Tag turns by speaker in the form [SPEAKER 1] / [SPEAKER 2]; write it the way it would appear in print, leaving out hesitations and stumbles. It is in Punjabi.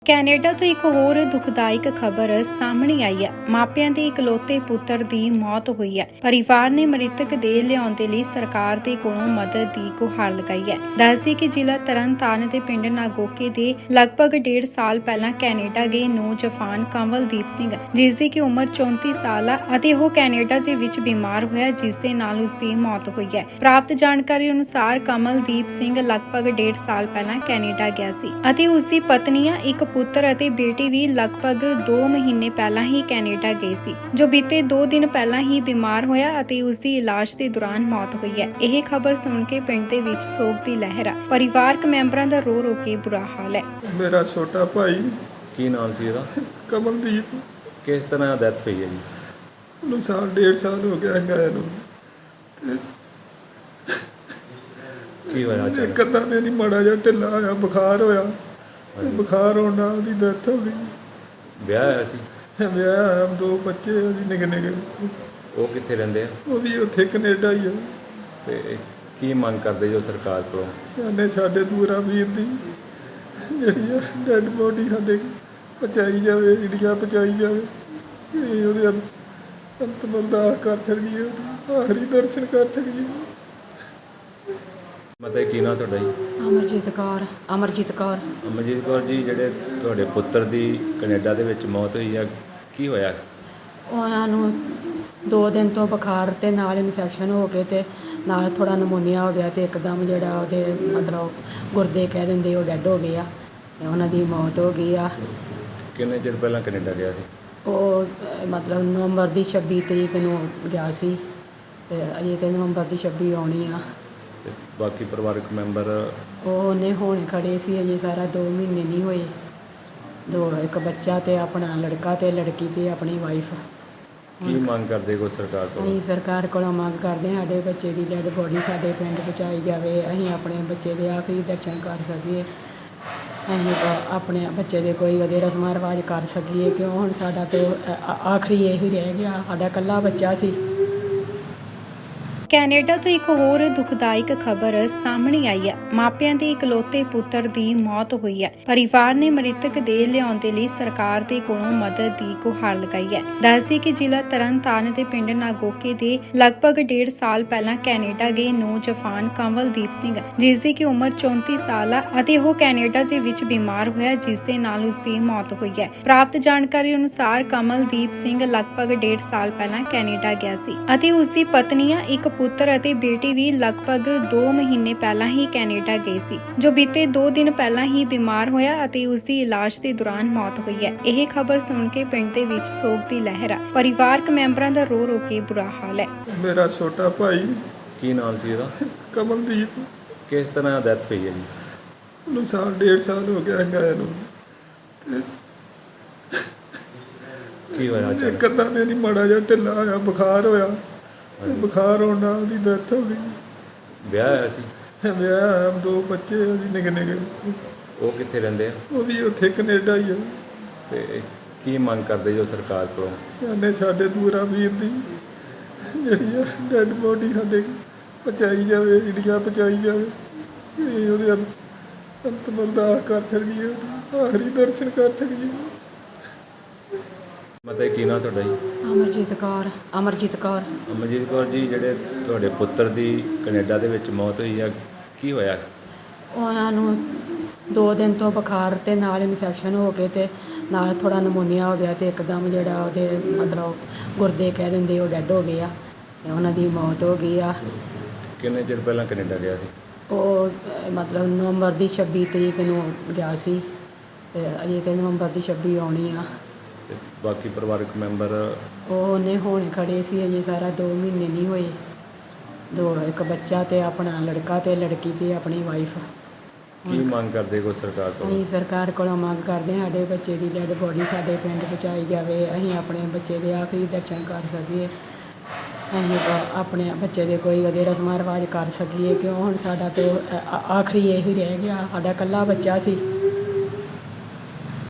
[SPEAKER 1] ਕੈਨੇਡਾ ਤੋਂ ਇੱਕ ਹੋਰ ਦੁਖਦਾਇਕ ਖਬਰ ਸਾਹਮਣੇ ਆਈ ਹੈ। ਮਾਪਿਆਂ ਦੇ ਇਕਲੌਤੇ ਪੁੱਤਰ ਦੀ ਮੌਤ ਹੋਈ ਹੈ। ਪਰਿਵਾਰ ਨੇ ਮ੍ਰਿਤਕ ਦੇਹ ਲਿਆਉਣ ਦੇ ਲਈ ਸਰਕਾਰ ਦੇ ਕੋਲੋਂ ਮਦਦ ਦੀ ਗੁਹਾਰ ਲਗਾਈ ਹੈ। ਦੱਸਦੇ ਕਿ ਜ਼ਿਲ੍ਹਾ ਤਰਨਤਾਰਨ ਦੇ ਪਿੰਡ ਨਾਗੋਕੇ ਦੇ ਲਗਭਗ 1.5 ਸਾਲ ਪਹਿਲਾਂ ਕੈਨੇਡਾ ਗਏ ਨੌਜਵਾਨ ਕਮਲਦੀਪ ਸਿੰਘ, ਜਿਸ ਦੀ ਕਿ ਉਮਰ 34 ਸਾਲ ਹੈ ਅਤੇ ਉਹ ਕੈਨੇਡਾ ਦੇ ਵਿੱਚ ਬਿਮਾਰ ਹੋਇਆ, ਜਿਸ ਦੇ ਨਾਲ ਉਸ ਦੀ ਮੌਤ ਹੋਈ ਹੈ। ਪ੍ਰਾਪਤ ਜਾਣਕਾਰੀ ਅਨੁਸਾਰ ਕਮਲਦੀਪ ਸਿੰਘ ਲਗਭਗ 1.5 ਸਾਲ ਪਹਿਲਾਂ ਕੈਨੇਡਾ ਗਿਆ ਸੀ ਅਤੇ ਉਸ ਦੀ ਪਤਨੀਆਂ ਇੱਕ ਪੁੱਤਰ ਅਤੇ ਬੇਟੀ ਵੀ ਲਗਭਗ 2 ਮਹੀਨੇ ਪਹਿਲਾਂ ਹੀ ਕੈਨੇਡਾ ਗਏ ਸੀ, ਜੋ ਬੀਤੇ 2 ਦਿਨ ਪਹਿਲਾਂ ਹੀ ਬਿਮਾਰ ਹੋਇਆ ਅਤੇ ਉਸ ਦੀ ਇਲਾਜ ਦੇ ਦੌਰਾਨ ਮੌਤ ਹੋਈ ਹੈ। ਇਹ ਖਬਰ ਸੁਣ ਕੇ ਪਿੰਡ ਦੇ ਵਿੱਚ ਸੋਗ ਦੀ ਲਹਿਰ ਹੈ। ਪਰਿਵਾਰਕ ਮੈਂਬਰਾਂ ਦਾ ਰੋ ਰੋ ਕੇ ਬੁਰਾ ਹਾਲ ਹੈ।
[SPEAKER 2] ਮੇਰਾ ਛੋਟਾ ਭਾਈ
[SPEAKER 3] ਕੀ ਨਾਮ ਸੀ ਇਹਦਾ?
[SPEAKER 2] ਕਮਲਦੀਪ,
[SPEAKER 3] ਕਿਸ ਤਰ੍ਹਾਂ ਡੈਥ ਹੋਈ ਹੈ ਜੀ?
[SPEAKER 2] ਉਹਨੂੰ 1.5 ਸਾਲ ਹੋ ਗਿਆ ਗਏ ਨੂੰ।
[SPEAKER 3] ਕੀ ਹੋਇਆ ਅਚਾਨਕ?
[SPEAKER 2] ਇੱਕ ਅੱਧਾ ਦਿਨ ਹੀ ਮਾੜਾ ਜਿਹਾ ਢਿੱਲਾ ਹੋਇਆ, ਬੁਖਾਰ ਹੋਇਆ। ਬੁਖਾਰ ਹੋਣ ਨਾਲ ਉਹਦੀ ਡੈਥ ਹੋ ਗਈ।
[SPEAKER 3] ਵਿਆਹ ਹੋਇਆ ਸੀ?
[SPEAKER 2] ਵਿਆਹ ਹੋਇਆ, 2 ਬੱਚੇ ਉਹਦੀ ਨਿੱਕੇ ਨਿੱਕੇ।
[SPEAKER 3] ਉਹ ਕਿੱਥੇ ਰਹਿੰਦੇ ਆ?
[SPEAKER 2] ਉਹ ਵੀ ਉੱਥੇ ਕੈਨੇਡਾ ਹੀ ਆ।
[SPEAKER 3] ਤੇ ਕੀ ਮੰਗ ਕਰਦੇ ਜੋ ਸਰਕਾਰ ਕੋਲੋਂ?
[SPEAKER 2] ਇਹਨੇ ਸਾਡੇ ਦੂਰਾ ਵੀਰ ਦੀ ਜਿਹੜੀ ਆ ਡੈਡ ਬੋਡੀ ਸਾਡੇ ਪਹੁੰਚਾਈ ਜਾਵੇ, ਇੰਡੀਆ ਪਹੁੰਚਾਈ ਜਾਵੇ। ਇਹ ਉਹਦੇ ਅੰਤਮ ਅਰਦਾਸ ਕਰ ਸਕੀਏ, ਆਖਰੀ ਦਰਸ਼ਨ ਕਰ ਸਕੀਏ।
[SPEAKER 3] ਮਤਲਬ ਕੀ ਨਾਂ ਤੁਹਾਡਾ ਜੀ?
[SPEAKER 4] ਅਮਰਜੀਤ ਕੌਰ।
[SPEAKER 3] ਅਮਰਜੀਤ ਕੌਰ ਜੀ, ਜਿਹੜੇ ਤੁਹਾਡੇ ਪੁੱਤਰ ਦੀ ਕੈਨੇਡਾ ਦੇ ਵਿੱਚ ਮੌਤ ਹੋਈ ਆ, ਕੀ ਹੋਇਆ?
[SPEAKER 4] ਉਹਨਾਂ ਨੂੰ 2 ਦਿਨ ਤੋਂ ਬੁਖਾਰ ਤੇ ਨਾਲ ਇਨਫੈਕਸ਼ਨ ਹੋ ਕੇ ਤੇ ਨਾਲ ਥੋੜਾ ਨਮੂਨੀਆ ਹੋ ਗਿਆ ਤੇ ਇੱਕਦਮ ਜਿਹੜਾ ਉਹਦੇ ਮਤਲਬ ਗੁਰਦੇ ਕਹਿ ਦਿੰਦੇ ਉਹ ਡੈਡ ਹੋ ਗਏ ਆ ਤੇ ਉਹਨਾਂ ਦੀ ਮੌਤ ਹੋ ਗਈ ਆ।
[SPEAKER 3] ਕਿੰਨੇ ਚਿਰ ਪਹਿਲਾਂ ਕੈਨੇਡਾ ਗਿਆ ਸੀ?
[SPEAKER 4] ਉਹ ਮਤਲਬ ਨਵੰਬਰ ਦੀ 26 ਤਰੀਕ ਨੂੰ ਗਿਆ ਸੀ ਤੇ ਅਜੇ ਤੇ ਨਵੰਬਰ ਦੀ 26 ਆਉਣੀ ਆ।
[SPEAKER 3] ਤੇ ਬਾਕੀ ਪਰਿਵਾਰਕ ਮੈਂਬਰ?
[SPEAKER 4] ਉਹਨੇ ਹੁਣ ਖੜੇ ਸੀ, ਅਜੇ ਸਾਰਾ 2 ਮਹੀਨੇ ਨਹੀਂ ਹੋਏ। ਇੱਕ ਬੱਚਾ ਤੇ ਆਪਣਾ ਲੜਕਾ ਤੇ ਲੜਕੀ ਤੇ ਆਪਣੀ ਵਾਈਫ।
[SPEAKER 3] ਕੀ ਮੰਗ ਕਰਦੇ ਕੋ ਸਰਕਾਰ ਕੋਲੋਂ?
[SPEAKER 4] ਅਸੀਂ ਸਰਕਾਰ ਕੋਲੋਂ ਮੰਗ ਕਰਦੇ ਹਾਂ ਸਾਡੇ ਬੱਚੇ ਦੀ ਡੈਡ ਬੋਡੀ ਸਾਡੇ ਪਿੰਡ ਪਹੁੰਚਾਈ ਜਾਵੇ, ਅਸੀਂ ਆਪਣੇ ਬੱਚੇ ਦੇ ਆਖਰੀ ਦਰਸ਼ਨ ਕਰ ਸਕੀਏ, ਅਸੀਂ ਆਪਣੇ ਬੱਚੇ ਦੇ ਕੋਈ ਉਹਦੇ ਰਸਮਾਂ ਰਿਵਾਜ ਕਰ ਸਕੀਏ, ਕਿਉਂ ਹੁਣ ਸਾਡਾ ਤੇ ਆਖਰੀ ਇਹੀ ਰਹਿ ਗਿਆ, ਸਾਡਾ ਇਕੱਲਾ ਬੱਚਾ ਸੀ।
[SPEAKER 1] ਕੈਨੇਡਾ ਤੋਂ ਇੱਕ ਹੋਰ ਦੁਖਦਾਇਕ ਖਬਰ ਸਾਹਮਣੇ ਆਈ ਹੈ। ਮਾਪਿਆਂ ਦੇ ਇਕਲੌਤੇ ਪੁੱਤਰ ਦੀ ਮੌਤ ਹੋਈ ਹੈ। ਪਰਿਵਾਰ ਨੇ ਮ੍ਰਿਤਕ ਦੇਹ ਲਿਆਉਣ ਦੇ ਲਈ ਸਰਕਾਰ ਦੇ ਕੋਲੋਂ ਮਦਦ ਦੀ ਗੁਹਾਰ ਲਗਾਈ ਹੈ। ਦੱਸਦੇ ਕਿ ਜ਼ਿਲ੍ਹਾ ਤਰਨਤਾਰਨ ਦੇ ਪਿੰਡ ਨਾਗੋਕੇ ਦੇ ਲਗਭਗ 1.5 ਸਾਲ ਪਹਿਲਾਂ ਕੈਨੇਡਾ ਗਏ ਨੌਜਵਾਨ ਕਮਲਦੀਪ ਸਿੰਘ, ਜਿਸ ਦੀ ਕਿ ਉਮਰ 34 ਸਾਲ ਹੈ ਅਤੇ ਉਹ ਕੈਨੇਡਾ ਦੇ ਵਿੱਚ ਬਿਮਾਰ ਹੋਇਆ, ਜਿਸ ਦੇ ਨਾਲ ਉਸ ਦੀ ਮੌਤ ਹੋਈ ਹੈ। ਪ੍ਰਾਪਤ ਜਾਣਕਾਰੀ ਅਨੁਸਾਰ ਕਮਲਦੀਪ ਸਿੰਘ ਲਗਭਗ 1.5 ਸਾਲ ਪਹਿਲਾਂ ਕੈਨੇਡਾ ਗਿਆ ਸੀ ਅਤੇ ਉਸ ਦੀ ਪਤਨੀਆਂ ਇੱਕ ਪੁੱਤਰ ਅਤੇ ਬੇਟੀ ਵੀ ਲਗਭਗ 2 ਮਹੀਨੇ ਪਹਿਲਾਂ ਹੀ ਕੈਨੇਡਾ ਗਏ ਸੀ, ਜੋ ਬੀਤੇ 2 ਦਿਨ ਪਹਿਲਾਂ ਹੀ ਬਿਮਾਰ ਹੋਇਆ ਅਤੇ ਉਸ ਦੀ ਇਲਾਜ ਦੇ ਦੌਰਾਨ ਮੌਤ ਹੋਈ ਹੈ। ਇਹ ਖਬਰ ਸੁਣ ਕੇ ਪਿੰਡ ਦੇ ਵਿੱਚ ਸੋਗ ਦੀ ਲਹਿਰ ਹੈ। ਪਰਿਵਾਰਕ ਮੈਂਬਰਾਂ ਦਾ ਰੋ ਰੋ ਕੇ ਬੁਰਾ ਹਾਲ ਹੈ।
[SPEAKER 2] ਮੇਰਾ ਛੋਟਾ ਭਾਈ
[SPEAKER 3] ਕੀ ਨਾਮ ਸੀ ਇਹਦਾ?
[SPEAKER 2] ਕਮਲਦੀਪ,
[SPEAKER 3] ਕਿਸ ਤਰ੍ਹਾਂ ਡੈਥ ਹੋਈ ਹੈ ਜੀ?
[SPEAKER 2] ਉਹਨੂੰ 1.5 ਸਾਲ ਹੋ ਗਿਆ ਗਏ ਨੂੰ।
[SPEAKER 3] ਕੀ ਹੋਇਆ
[SPEAKER 2] ਇੱਕ
[SPEAKER 3] ਅਚਾਨਕ?
[SPEAKER 2] ਅੱਧਾ ਦਿਨ ਹੀ ਮਾੜਾ ਜਿਹਾ ਢਿੱਲਾ ਹੋਇਆ, ਬੁਖਾਰ ਹੋਇਆ। ਬੁਖਾਰ ਹੋਣ ਨਾਲ ਉਹਦੀ ਡੈਥ ਹੋ ਗਈ।
[SPEAKER 3] ਵਿਆਹ ਹੋਇਆ ਸੀ?
[SPEAKER 2] ਵਿਆਹ ਹੋਇਆ, 2 ਬੱਚੇ ਉਹਦੀ ਨਿੱਕੇ ਨਿੱਕੇ।
[SPEAKER 3] ਉਹ ਕਿੱਥੇ ਰਹਿੰਦੇ ਆ?
[SPEAKER 2] ਉਹ ਵੀ ਉੱਥੇ ਕੈਨੇਡਾ ਹੀ ਆ।
[SPEAKER 3] ਤੇ ਕੀ ਮੰਗ ਕਰਦੇ ਜੋ ਸਰਕਾਰ ਕੋਲੋਂ?
[SPEAKER 2] ਇਹਨੇ ਸਾਡੇ ਦੂਰਾ ਵੀਰ ਦੀ ਜਿਹੜੀ ਆ ਡੈਡ ਬੋਡੀ ਸਾਡੇ ਪਹੁੰਚਾਈ ਜਾਵੇ, ਇੰਡੀਆ ਪਹੁੰਚਾਈ ਜਾਵੇ। ਇਹ ਉਹਦੇ ਅੰਤਮ ਅਰਦਾਸ ਕਰ ਸਕੀਏ, ਆਖਰੀ ਦਰਸ਼ਨ ਕਰ ਸਕੀਏ।
[SPEAKER 3] ਮਤਲਬ ਕੀ ਨਾਂ ਤੁਹਾਡਾ ਜੀ?
[SPEAKER 4] ਅਮਰਜੀਤ ਕੌਰ।
[SPEAKER 3] ਅਮਰਜੀਤ ਕੌਰ ਜੀ, ਜਿਹੜੇ ਤੁਹਾਡੇ ਪੁੱਤਰ ਦੀ ਕੈਨੇਡਾ ਦੇ ਵਿੱਚ ਮੌਤ ਹੋਈ ਆ, ਕੀ ਹੋਇਆ?
[SPEAKER 4] ਉਹਨਾਂ ਨੂੰ 2 ਦਿਨ ਤੋਂ ਬੁਖਾਰ ਤੇ ਨਾਲ ਇਨਫੈਕਸ਼ਨ ਹੋ ਕੇ ਤੇ ਨਾਲ ਥੋੜਾ ਨਮੂਨੀਆ ਹੋ ਗਿਆ ਤੇ ਇੱਕਦਮ ਜਿਹੜਾ ਉਹਦੇ ਮਤਲਬ ਗੁਰਦੇ ਕਹਿ ਦਿੰਦੇ ਉਹ ਡੈਡ ਹੋ ਗਏ ਆ ਤੇ ਉਹਨਾਂ ਦੀ ਮੌਤ ਹੋ ਗਈ ਆ।
[SPEAKER 3] ਕਿੰਨੇ ਚਿਰ ਪਹਿਲਾਂ ਕੈਨੇਡਾ ਗਿਆ ਸੀ?
[SPEAKER 4] ਉਹ ਮਤਲਬ ਨਵੰਬਰ ਦੀ 26 ਤਰੀਕ ਨੂੰ ਗਿਆ ਸੀ ਤੇ ਅਜੇ ਤੇ ਨਵੰਬਰ ਦੀ 26 ਆਉਣੀ ਆ।
[SPEAKER 3] ਤੇ ਬਾਕੀ ਪਰਿਵਾਰਕ ਮੈਂਬਰ?
[SPEAKER 4] ਉਹਨੇ ਹੁਣ ਖੜੇ ਸੀ, ਅਜੇ ਸਾਰਾ 2 ਮਹੀਨੇ ਨਹੀਂ ਹੋਏ। ਇੱਕ ਬੱਚਾ ਤੇ ਆਪਣਾ ਲੜਕਾ ਤੇ ਲੜਕੀ ਤੇ ਆਪਣੀ ਵਾਈਫ।
[SPEAKER 3] ਕੀ ਮੰਗ ਕਰਦੇ ਕੋ ਸਰਕਾਰ ਕੋਲੋਂ?
[SPEAKER 4] ਅਸੀਂ ਸਰਕਾਰ ਕੋਲੋਂ ਮੰਗ ਕਰਦੇ ਹਾਂ ਸਾਡੇ ਬੱਚੇ ਦੀ ਡੈਡ ਬੋਡੀ ਸਾਡੇ ਪਿੰਡ ਪਹੁੰਚਾਈ ਜਾਵੇ, ਅਸੀਂ ਆਪਣੇ ਬੱਚੇ ਦੇ ਆਖਰੀ ਦਰਸ਼ਨ ਕਰ ਸਕੀਏ, ਅਸੀਂ ਆਪਣੇ ਬੱਚੇ ਦੇ ਕੋਈ ਉਹਦੇ ਰਸਮਾਂ ਰਿਵਾਜ ਕਰ ਸਕੀਏ, ਕਿਉਂ ਹੁਣ ਸਾਡਾ ਤੇ ਆਖਰੀ ਇਹੀ ਰਹਿ ਗਿਆ, ਸਾਡਾ ਇਕੱਲਾ ਬੱਚਾ ਸੀ।